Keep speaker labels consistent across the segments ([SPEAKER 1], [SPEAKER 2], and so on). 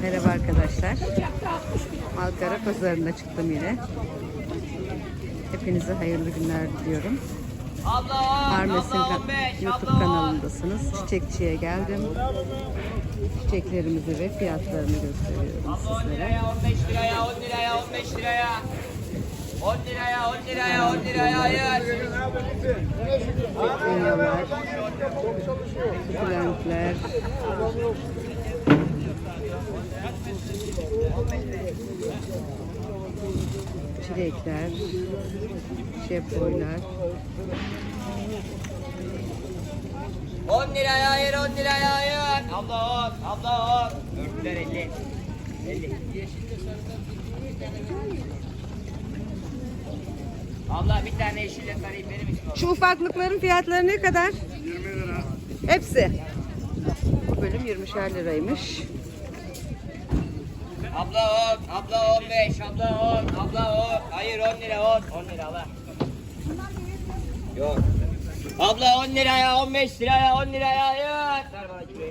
[SPEAKER 1] Merhaba arkadaşlar. Malkara pazarına çıktım yine. Hepinize hayırlı günler diliyorum. Armes'in YouTube kanalındasınız. Çiçekçiye geldim. Çiçeklerimizi ve fiyatlarını gösteriyorum sizlere.
[SPEAKER 2] 15 liraya, 10 liraya, 15 liraya. 10 liraya, 10 liraya, 10 liraya hayır.
[SPEAKER 1] Petunyalar, sukulentler, çilekler, şepoylar.
[SPEAKER 2] 10 liraya hayır, 10 liraya hayır. Abla 10, abla 10. Örtüler 50. 50. Abla bir tane yeşille sarayım benim için.
[SPEAKER 1] Şu ufaklıkların fiyatları ne kadar?
[SPEAKER 3] 20 lira.
[SPEAKER 1] Hepsi. Bu bölüm 20'şer liraymış.
[SPEAKER 2] Abla 10, abla 15, abla 10, abla 10. Hayır 10 lira 10. 10 lira abla. Yok. Abla 10 liraya, 15 liraya, 10 liraya hayır. Ver bana kiloyu.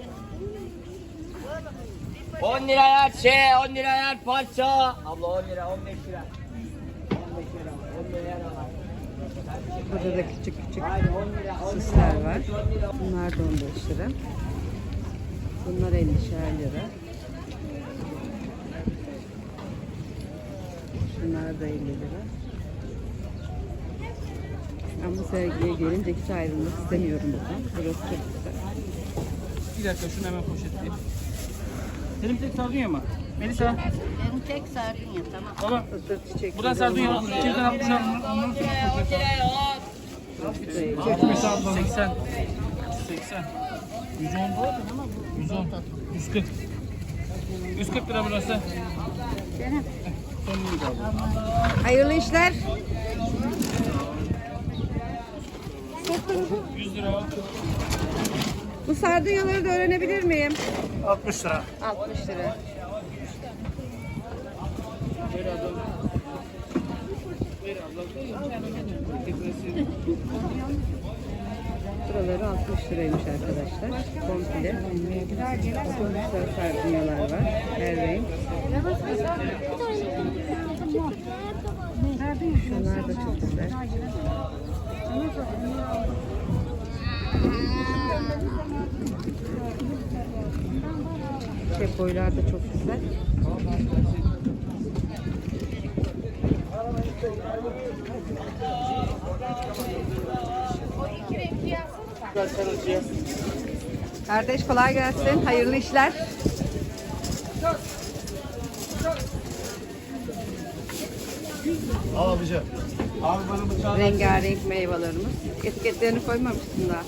[SPEAKER 2] 10 liraya 10 liraya parça. Abla 10 lira, 15 lira. 15 lira, 10 liraya da var.
[SPEAKER 1] Burada da küçük
[SPEAKER 2] Hayır 10 lira, 10 lira.
[SPEAKER 1] süsler var.
[SPEAKER 2] 10 lira.
[SPEAKER 1] Bunlar da 15 lira. Bunlar 50'şer lira. Şunlar da 50 lira. Ben bu sergiye gelince hiç ayrılmak istemiyorum buradan. Burası çok güzel.
[SPEAKER 3] Bir dakika şunu hemen poşetleyeyim. Benim tek sardunya mı? Melisa.
[SPEAKER 4] Benim tek sardunya tamam.
[SPEAKER 3] Tamam.
[SPEAKER 1] Fıstık çiçekleri.
[SPEAKER 3] Buradan sardunya al. 2'den 60 al.
[SPEAKER 2] 10 liraya 10.
[SPEAKER 3] 80. 80. 110. 110. 140. 140 lira burası. Son bunu da al.
[SPEAKER 1] Hayırlı işler.
[SPEAKER 3] 100 lira al.
[SPEAKER 1] Bu sardunyaları da öğrenebilir miyim?
[SPEAKER 3] 60 lira.
[SPEAKER 1] 60 lira. Buraları 60 liraymış arkadaşlar. Komple. Çok güzel sardunyalar var. Her renk. Şunlar da çok güzel. Boylar da çok güzel. Kardeş kolay gelsin. Hayırlı işler.
[SPEAKER 3] Al abici. Abi bana bıçağı.
[SPEAKER 1] Rengarenk meyvelerimiz. Etiketlerini koymamıştım daha.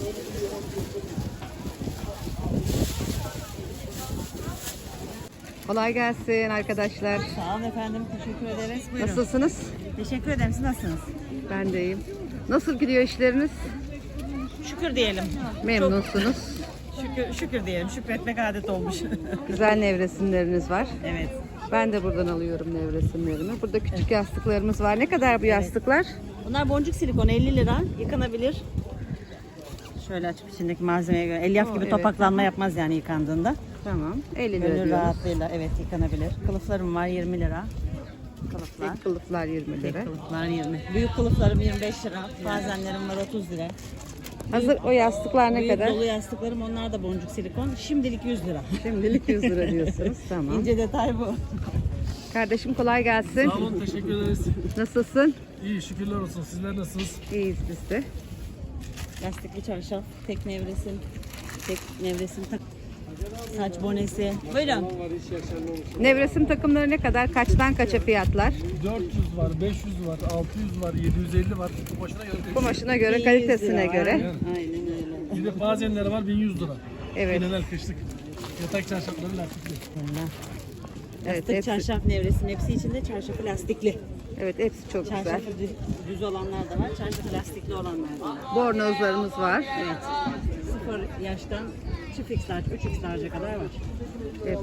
[SPEAKER 1] Kolay gelsin arkadaşlar.
[SPEAKER 4] Sağ olun efendim. Teşekkür ederiz. Buyurun.
[SPEAKER 1] Nasılsınız?
[SPEAKER 4] Teşekkür ederim. Siz nasılsınız?
[SPEAKER 1] Ben de iyiyim. Nasıl gidiyor işleriniz?
[SPEAKER 4] Şükür diyelim.
[SPEAKER 1] Memnunsunuz.
[SPEAKER 4] Şükür diyelim. Şükretmek adet olmuş.
[SPEAKER 1] Güzel nevresimleriniz var.
[SPEAKER 4] Evet.
[SPEAKER 1] Ben de buradan alıyorum nevresimlerimi. Burada küçük yastıklarımız var. Ne kadar bu yastıklar?
[SPEAKER 4] Bunlar boncuk silikon 50 lira. Yıkanabilir. Şöyle açıp içindeki malzemeye göre. Elyaf gibi
[SPEAKER 1] Evet.
[SPEAKER 4] topaklanma yapmaz yani yıkandığında.
[SPEAKER 1] Tamam. 50 lira
[SPEAKER 4] Gönül
[SPEAKER 1] diyoruz.
[SPEAKER 4] rahatlığıyla evet yıkanabilir. Kılıflarım var 20 lira. Kılıflar.
[SPEAKER 1] Tek kılıflar 20 lira.
[SPEAKER 4] Tek kılıflar 20. Büyük kılıflarım 25 lira. Bazenlerim var 30 lira.
[SPEAKER 1] Hazır o yastıklar ne
[SPEAKER 4] Büyük
[SPEAKER 1] kadar?
[SPEAKER 4] dolu yastıklarım onlar da boncuk silikon. Şimdilik 100 lira.
[SPEAKER 1] Şimdilik 100 lira diyorsunuz. Tamam.
[SPEAKER 4] İnce detay bu.
[SPEAKER 1] Kardeşim kolay gelsin.
[SPEAKER 3] Sağ olun, teşekkür ederiz.
[SPEAKER 1] Nasılsın?
[SPEAKER 3] İyi, şükürler olsun. Sizler nasılsınız?
[SPEAKER 1] İyiyiz biz de.
[SPEAKER 4] Lastikli çarşaf, tek nevresim saç bonesi. Buyurun.
[SPEAKER 1] Nevresim takımları ne kadar? Kaçtan kaça fiyatlar?
[SPEAKER 3] 400 var, 500 var, 600 var, 750 var. Başına göre değişiyor.
[SPEAKER 1] Kumaşına göre,
[SPEAKER 4] 1100
[SPEAKER 1] kalitesine
[SPEAKER 4] lira.
[SPEAKER 1] göre.
[SPEAKER 4] Aynen öyle.
[SPEAKER 3] Bir de bazenleri var 1100 lira.
[SPEAKER 1] Evet.
[SPEAKER 3] Genel kışlık. Yatak çarşafları lastikli.
[SPEAKER 1] Evet,
[SPEAKER 4] Lastik
[SPEAKER 1] hepsi,
[SPEAKER 4] çarşaf nevresim hepsi içinde çarşafı lastikli.
[SPEAKER 1] evet, hepsi çok güzel.
[SPEAKER 4] Çarşafı düz olanlar da var, çarşafı lastikli olanlar da var.
[SPEAKER 1] Bornozlarımız var.
[SPEAKER 4] Evet. 0 yaştan çift x large, 3 x large'a kadar var.
[SPEAKER 1] Evet.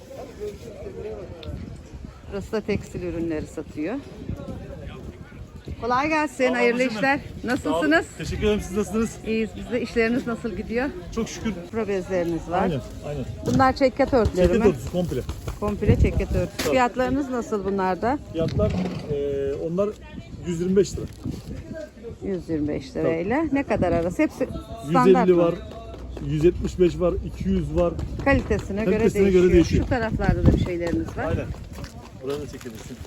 [SPEAKER 1] Burası da tekstil ürünleri satıyor. Kolay gelsin, hayırlı işler. Nasılsınız?
[SPEAKER 5] Teşekkür ederim. Siz nasılsınız?
[SPEAKER 1] İyiyiz biz de. İşleriniz nasıl gidiyor?
[SPEAKER 5] Çok şükür.
[SPEAKER 1] Pro bezleriniz var.
[SPEAKER 5] Aynen.
[SPEAKER 1] Bunlar çekyat örtüleri
[SPEAKER 5] Ceket
[SPEAKER 1] mi?
[SPEAKER 5] örtüsü komple.
[SPEAKER 1] Komple çekyat örtüsü. Fiyatlarınız nasıl bunlarda?
[SPEAKER 5] Fiyatlar onlar 125 lira.
[SPEAKER 1] 125 lirayla. Ne kadar arası? Hepsi standart
[SPEAKER 5] 150
[SPEAKER 1] mı?
[SPEAKER 5] var. 175 var. 200 var.
[SPEAKER 1] Kalitesine
[SPEAKER 5] Kalitesine
[SPEAKER 1] göre
[SPEAKER 5] göre
[SPEAKER 1] değişiyor.
[SPEAKER 5] değişiyor.
[SPEAKER 1] Şu taraflarda da bir şeyleriniz var.
[SPEAKER 5] Aynen. Buranın da çekebilirsin.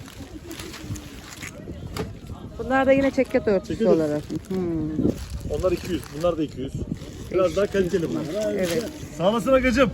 [SPEAKER 1] Bunlar da yine çekyat örtüsü
[SPEAKER 5] Çekyat örtüsü.
[SPEAKER 1] olarak.
[SPEAKER 5] Onlar 200. Bunlar da 200. Biraz daha kaliteli bunlar.
[SPEAKER 1] Evet.
[SPEAKER 5] Sağ olasın Agacığım.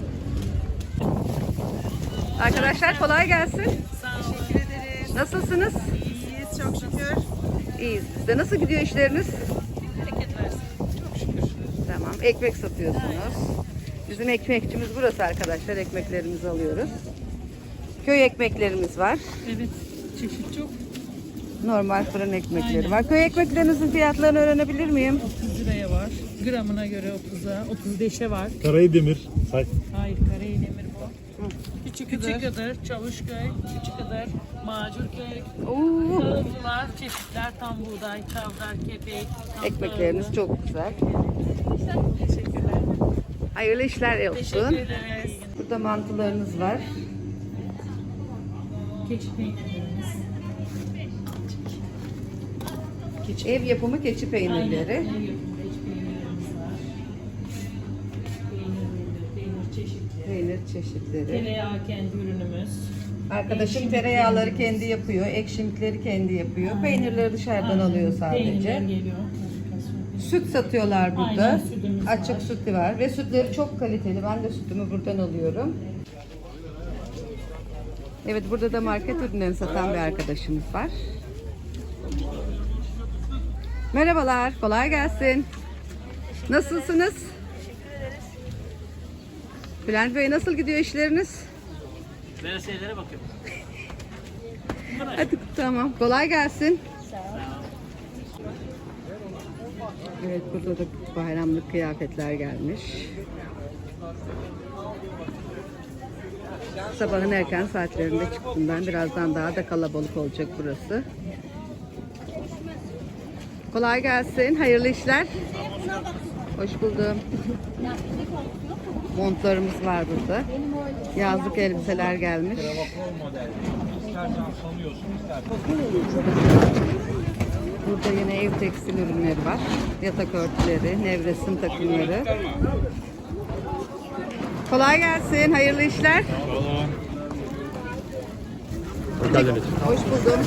[SPEAKER 1] Arkadaşlar kolay gelsin. Teşekkür ederiz. Nasılsınız?
[SPEAKER 4] İyiyiz çok şükür.
[SPEAKER 1] İyiyiz biz de. Nasıl gidiyor işleriniz?
[SPEAKER 4] Bereket versin. Çok şükür.
[SPEAKER 1] Tamam. Ekmek satıyorsunuz. Bizim ekmekçimiz burası arkadaşlar. Ekmeklerimizi alıyoruz. Köy ekmeklerimiz var.
[SPEAKER 6] Evet, çeşit çok.
[SPEAKER 1] Normal fırın ekmekleri var. Köy ekmeklerinizin fiyatlarını öğrenebilir miyim?
[SPEAKER 6] 30 liraya var. Gramına göre 30'a, 35'e var.
[SPEAKER 5] Karayedemir. Say.
[SPEAKER 6] Hayır, Karayenemir bu. Küçük Iğdır, Çavuşköy, Küçük Iğdır, Macurköy,
[SPEAKER 1] Oo,
[SPEAKER 6] Kağıtlılar, çeşitler, tam buğday, çavdar, kepek, tam
[SPEAKER 1] ekmekleriniz
[SPEAKER 6] tahıllı.
[SPEAKER 1] çok güzel.
[SPEAKER 6] Teşekkürler.
[SPEAKER 1] Hayırlı işler olsun.
[SPEAKER 6] Teşekkür ederiz.
[SPEAKER 1] Burada mantılarınız var.
[SPEAKER 6] Keçi peynirlerimiz.
[SPEAKER 1] Ev yapımı keçi peynirleri.
[SPEAKER 6] Aynen, ev yapımı keçi peynirlerimiz var. Peynir çeşitleri.
[SPEAKER 1] Peynir çeşitleri.
[SPEAKER 6] Tereyağı kendi ürünümüz.
[SPEAKER 1] Arkadaşım
[SPEAKER 6] Ekşimlik
[SPEAKER 1] tereyağları kendi yapıyor, ekşimlikleri kendi yapıyor. Peynirleri dışarıdan alıyor
[SPEAKER 6] Peynirler
[SPEAKER 1] sadece.
[SPEAKER 6] geliyor.
[SPEAKER 1] Süt satıyorlar burada.
[SPEAKER 6] Aynen, sütümüz
[SPEAKER 1] Açık
[SPEAKER 6] var.
[SPEAKER 1] sütü var ve sütleri çok kaliteli. Ben de sütümü buradan alıyorum. Evet, burada da market ürünlerini satan bir arkadaşımız var. Merhabalar, kolay gelsin. Nasılsınız? Bülent Bey, nasıl gidiyor işleriniz?
[SPEAKER 3] Veresiye'lere bakıyorum.
[SPEAKER 1] Hadi tamam, kolay gelsin. Evet, burada da bayramlık kıyafetler gelmiş. Sabahın erken saatlerinde çıktım ben. Birazdan daha da kalabalık olacak burası. Kolay gelsin. Hayırlı işler. Hoş buldum. Montlarımız var burada. Yazlık elbiseler gelmiş. Burada yine ev tekstil ürünleri var. Yatak örtüleri, nevresim takımları. Kolay gelsin. Hayırlı işler. Hoş buldum.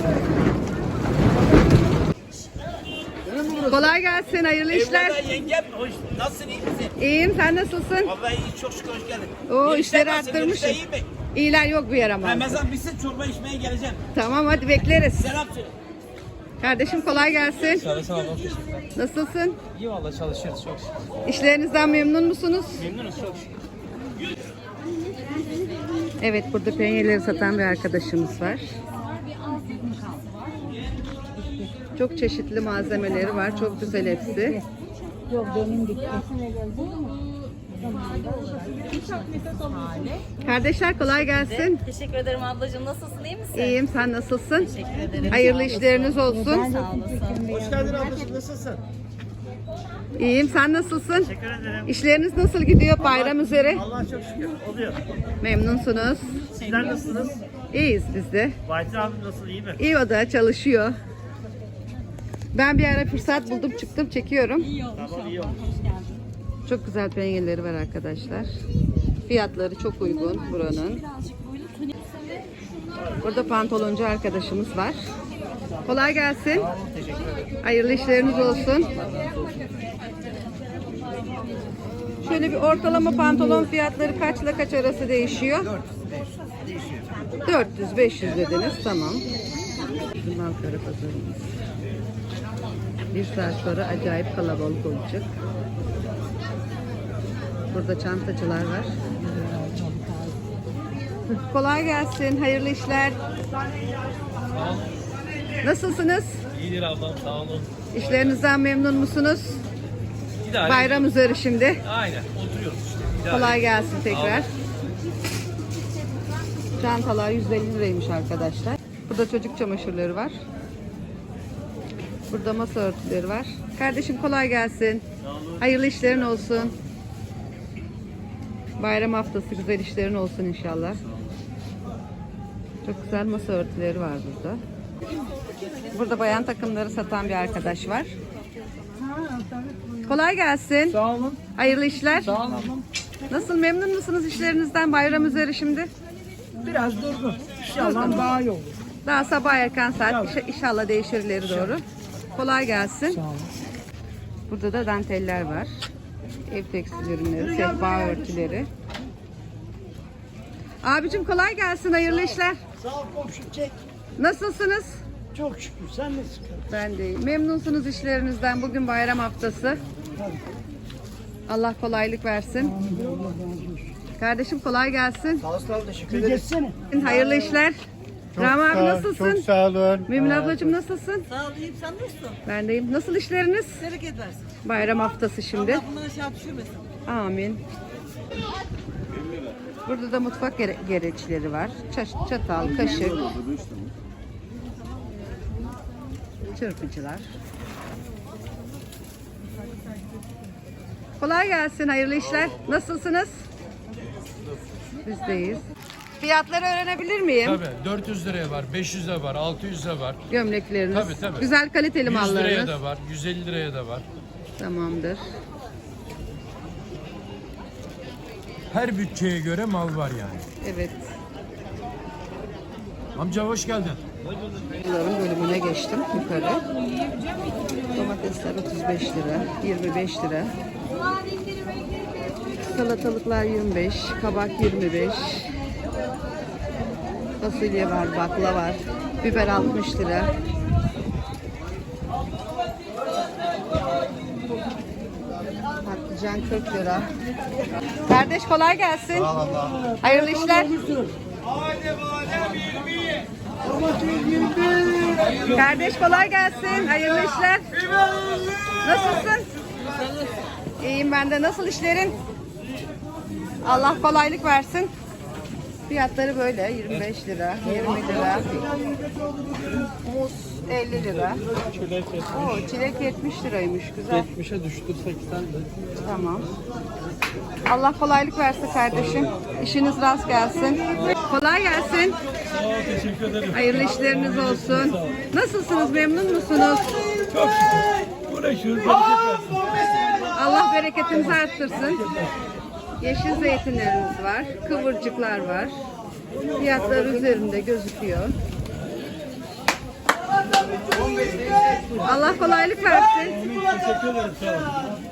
[SPEAKER 1] Kolay gelsin. Hayırlı işler.
[SPEAKER 2] Eyvallah yengem. Hoş, nasılsın, iyi misin?
[SPEAKER 1] İyiyim. Sen nasılsın?
[SPEAKER 2] Vallahi iyi, çok şükür, hoş geldin.
[SPEAKER 1] Oo,
[SPEAKER 2] İşler
[SPEAKER 1] işleri
[SPEAKER 2] nasıl,
[SPEAKER 1] arttırmışsın.
[SPEAKER 2] işler iyi mi?
[SPEAKER 1] İyiler yok bir yer ama.
[SPEAKER 2] Ramazan bitsin, çorba içmeye geleceğim.
[SPEAKER 1] Tamam, hadi bekleriz.
[SPEAKER 2] Selam söyle.
[SPEAKER 1] Kardeşim kolay gelsin.
[SPEAKER 3] Sağ olun, teşekkürler.
[SPEAKER 1] Nasılsın?
[SPEAKER 3] İyi valla çalışıyoruz çok şükür.
[SPEAKER 1] İşlerinizden memnun musunuz?
[SPEAKER 3] Memnunuz çok şükür.
[SPEAKER 1] Evet, burada penyeleri satan bir arkadaşımız var. Çok çeşitli malzemeleri var. Çok güzel hepsi. Kardeşler kolay gelsin.
[SPEAKER 7] Teşekkür ederim ablacığım. Nasılsın? İyi misin?
[SPEAKER 1] İyiyim, sen nasılsın?
[SPEAKER 7] Teşekkür ederim.
[SPEAKER 1] Hayırlı işleriniz olsun.
[SPEAKER 7] Sağ olasın.
[SPEAKER 2] Hoş geldin ablacığım, nasılsın?
[SPEAKER 1] İyiyim, sen nasılsın? İşleriniz nasıl gidiyor bayram üzere?
[SPEAKER 8] Allah çok şükür oluyor.
[SPEAKER 1] Memnunsunuz.
[SPEAKER 8] Sizler nasılsınız?
[SPEAKER 1] İyiyiz biz de.
[SPEAKER 8] Vahittin abi nasıl, iyi mi?
[SPEAKER 1] İyi, o da çalışıyor. Ben bir ara fırsat buldum, çıktım, çekiyorum.
[SPEAKER 8] Tamam, iyi olmuş.
[SPEAKER 1] Çok güzel penyeleri var arkadaşlar. Fiyatları çok uygun buranın. Burada pantoloncu arkadaşımız var. Kolay gelsin. Hayırlı işleriniz olsun. Şöyle bir ortalama pantolon fiyatları kaçla kaç arası değişiyor? 400-500 dediniz. Tamam. Bizim Malkara pazarımız. Bir saat sonra acayip kalabalık olacak. Burada çantacılar var. Kolay gelsin. Hayırlı işler. Nasılsınız?
[SPEAKER 3] İyidir ablam, sağ olun.
[SPEAKER 1] İşlerinizden memnun musunuz?
[SPEAKER 3] İdare
[SPEAKER 1] Bayram üzeri şimdi.
[SPEAKER 3] Aynen, oturuyoruz işte. İdare
[SPEAKER 1] Kolay gelsin tekrar.
[SPEAKER 3] Sağ
[SPEAKER 1] Çantalar 150 liraymış arkadaşlar. Burada çocuk çamaşırları var. Burada masa örtüleri var. Kardeşim kolay gelsin. Hayırlı işlerin olsun. Bayram haftası güzel işlerin olsun inşallah. Çok güzel masa örtüleri var burada. Burada bayan takımları satan bir arkadaş var. Kolay gelsin.
[SPEAKER 3] Sağ olun.
[SPEAKER 1] Hayırlı işler.
[SPEAKER 3] Sağ olun.
[SPEAKER 1] Nasıl, memnun musunuz işlerinizden bayram üzeri şimdi?
[SPEAKER 3] Biraz durgun. İnşallah daha iyi olur.
[SPEAKER 1] Daha sabah erken saat inşallah değişir ileri doğru. Kolay gelsin.
[SPEAKER 3] Sağ olun.
[SPEAKER 1] Burada da danteller var. Ev tekstil ürünleri, sehpa örtüleri. Abicim kolay gelsin, hayırlı işler.
[SPEAKER 8] Sağ ol komşu çek.
[SPEAKER 1] Nasılsınız?
[SPEAKER 8] Çok şükür. Sen nasılsın?
[SPEAKER 1] Ben de iyiyim. Memnunsunuz işlerinizden. Bugün bayram haftası. Allah kolaylık versin. Kardeşim kolay gelsin.
[SPEAKER 8] Sağ ol. Teşekkür ederim. Geçsene.
[SPEAKER 1] Hayırlı işler. Rami abi nasılsın?
[SPEAKER 5] Çok sağ olun.
[SPEAKER 1] Mümin ablacığım nasılsın?
[SPEAKER 6] Sağ ol, iyiyim. Sen nasılsın?
[SPEAKER 1] Ben deyim. Nasıl işleriniz?
[SPEAKER 6] Bereket versin.
[SPEAKER 1] Bayram haftası şimdi.
[SPEAKER 6] Bunları aşağı düşürmesin.
[SPEAKER 1] Amin. Burada da mutfak gereçleri var. Çatal, kaşık. Çırpıcılar. Kolay gelsin, hayırlı işler. Nasılsınız? Bizdeyiz. Fiyatları öğrenebilir miyim?
[SPEAKER 9] Tabii 400 liraya var, 500 lira var, 600 lira var.
[SPEAKER 1] Gömlekleriniz.
[SPEAKER 9] Tabii.
[SPEAKER 1] Güzel kaliteli
[SPEAKER 9] 100
[SPEAKER 1] mallarınız.
[SPEAKER 9] liraya da var, 150 liraya da var.
[SPEAKER 1] Tamamdır.
[SPEAKER 9] Her bütçeye göre mal var yani.
[SPEAKER 1] Evet.
[SPEAKER 9] Amca hoş geldin.
[SPEAKER 1] Bunların bölümüne geçtim yukarı. Domatesler 35 lira, 25 lira. Salatalıklar 25, kabak 25. Fasulye var, bakla var. Biber 60 lira. Patlıcan 40 lira. Kardeş kolay gelsin. Hayırlı işler. Kardeş kolay gelsin. Hayırlı işler. Nasılsın? İyiyim ben de. Nasıl işlerin? Allah kolaylık versin. Fiyatları böyle 25 lira, 20 lira. Muz 50 lira. Oo, çilek 70 liraymış. Güzel.
[SPEAKER 3] 70'e düştü 80.
[SPEAKER 1] Tamam. Allah kolaylık versin kardeşim. İşiniz rast gelsin. Kolay gelsin.
[SPEAKER 5] Sağ ol, teşekkür ederim.
[SPEAKER 1] Hayırlı işleriniz olsun. Nasılsınız? Memnun musunuz?
[SPEAKER 5] Çok şükür. Uğraşıyoruz. Bereket versin.
[SPEAKER 1] Allah bereketinizi arttırsın. Yeşil zeytinlerimiz var. Kıvırcıklar var. Fiyatlar üzerinde gözüküyor. Allah kolaylık versin.
[SPEAKER 5] Teşekkür ederim. Sağ ol.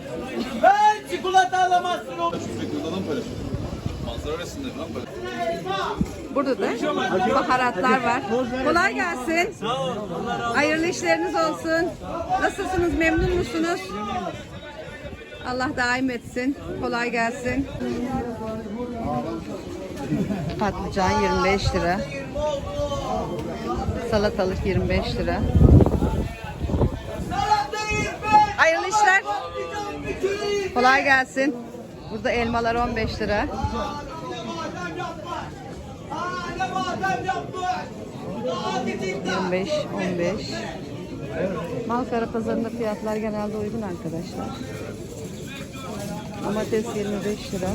[SPEAKER 1] Burada da baharatlar var. Kolay gelsin. Hayırlı işleriniz olsun. Nasılsınız? Memnun musunuz? Allah daim etsin. Kolay gelsin. Patlıcan 25 lira. Salatalık 25 lira. Hayırlı işler. Kolay gelsin. Burada elmalar 15 lira. ...25, 15. Malkara pazarında fiyatlar genelde uygun arkadaşlar. Domates 25 lira.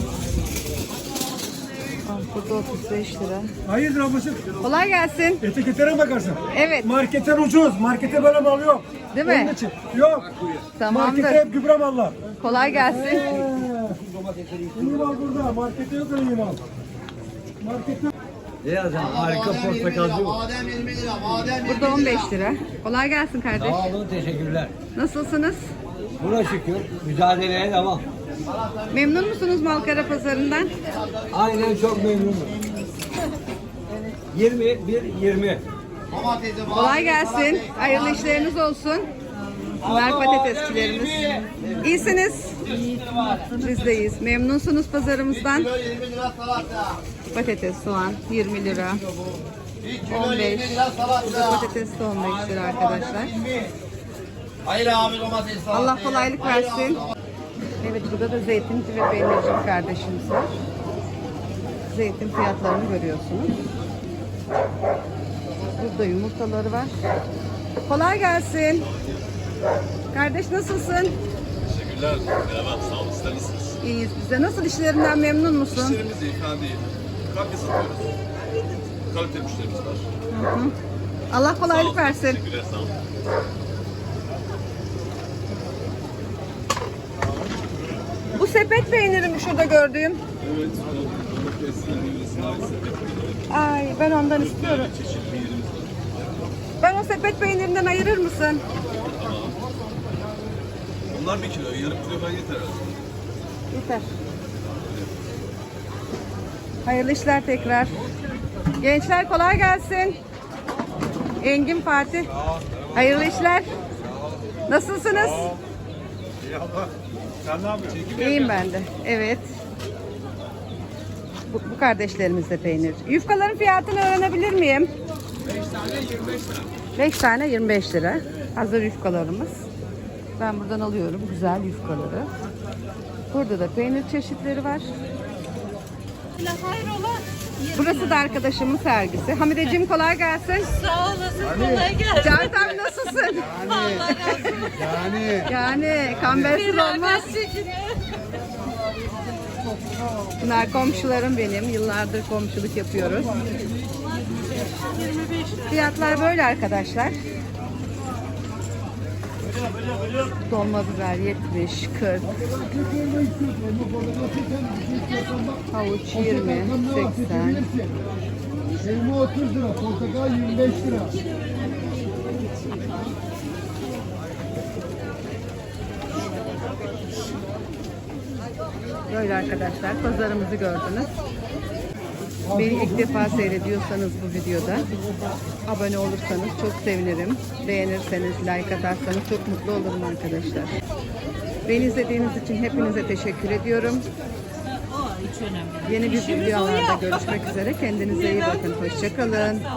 [SPEAKER 1] Burada 35 lira.
[SPEAKER 5] Hayırdır ablacığım?
[SPEAKER 1] Kolay gelsin.
[SPEAKER 5] Etiketlere bakarsın.
[SPEAKER 1] Evet.
[SPEAKER 5] Marketten ucuz. Markete böyle mal yok.
[SPEAKER 1] Değil mi?
[SPEAKER 5] Onun için. Yok.
[SPEAKER 1] Tamamdır.
[SPEAKER 5] Markete hep gübre mallar.
[SPEAKER 1] Kolay gelsin.
[SPEAKER 5] İyi mal burada. Markete yok öyle iyi mal. Markette...
[SPEAKER 8] Harika portakalcı bu.
[SPEAKER 1] Burada 15 lira. Kolay gelsin kardeş.
[SPEAKER 8] Sağ olun, teşekkürler.
[SPEAKER 1] Nasılsınız?
[SPEAKER 8] Buna şükür. Mücadeleye devam.
[SPEAKER 1] Memnun musunuz Malkara pazarından?
[SPEAKER 8] Aynen çok memnunum. 21-20.
[SPEAKER 1] Kolay gelsin. Hayırlı işleriniz olsun. Bunlar patatesçilerimiz. İyisiniz. Biz de iyiyiz. Memnunsunuz pazarımızdan. Patates, soğan 20 lira. 15. Burada patates de 15 lira arkadaşlar.
[SPEAKER 2] Hayır abi domates var.
[SPEAKER 1] Allah kolaylık versin. Evet, burada da zeytinci ve peynirci kardeşimiz var. Zeytin fiyatlarını görüyorsunuz. Burada yumurtaları var. Kolay gelsin. Kardeş nasılsın?
[SPEAKER 5] Teşekkürler. Merhaba. Sağ olun. Sizler nasılsınız?
[SPEAKER 1] İyiyiz biz de. Nasıl işlerinden memnun musun?
[SPEAKER 5] İşlerimiz iyi. Fena değil. Kalite satıyoruz. Kalite müşterimiz var.
[SPEAKER 1] Allah
[SPEAKER 5] Sağ
[SPEAKER 1] kolaylık
[SPEAKER 5] olun.
[SPEAKER 1] versin.
[SPEAKER 5] Teşekkürler. Sağ olun.
[SPEAKER 1] Bu sepet peyniri mi şurada gördüğüm?
[SPEAKER 5] Evet. Domateslerimiz,
[SPEAKER 1] Ay ben ondan istiyorum.
[SPEAKER 5] çeşit peynirimiz var.
[SPEAKER 1] Ben o sepet peynirinden ayırır mısın?
[SPEAKER 5] Bunlar 1 kilo. Yarım kilo falan yeter herhalde.
[SPEAKER 1] Yeter. Hayırlı işler tekrar. Gençler kolay gelsin. Engin Fatih. Hayırlı işler. Nasılsınız?
[SPEAKER 5] İyi abla. Sen ne yapıyorsun?
[SPEAKER 1] İyiyim ben de. Evet. Bu kardeşlerimiz de peynir. Yufkaların fiyatını öğrenebilir miyim? 5 tane 25 lira. Hazır yufkalarımız. Ben buradan alıyorum güzel yufkaları. Burada da peynir çeşitleri var.
[SPEAKER 7] Hayrola?
[SPEAKER 1] Burası da arkadaşımın sergisi. Hamideciğim kolay gelsin.
[SPEAKER 7] Sağ olasın, kolay gelsin.
[SPEAKER 1] Cahit abi nasılsın?
[SPEAKER 7] Allah razı olsun.
[SPEAKER 1] Yani kambersiz olmaz. Bunlar komşularım benim. Yıllardır komşuluk yapıyoruz. Fiyatlar böyle arkadaşlar. Dolma biber 70, 40. Havuç 20, 80.
[SPEAKER 10] Elma 30 lira, portakal 25 lira.
[SPEAKER 1] Böyle arkadaşlar pazarımızı gördünüz. Beni ilk defa seyrediyorsanız bu videoda abone olursanız çok sevinirim. Beğenirseniz, like atarsanız çok mutlu olurum arkadaşlar. Beni izlediğiniz için hepinize teşekkür ediyorum. Yeni bir videolarda görüşmek üzere. Kendinize iyi bakın. Hoşça kalın.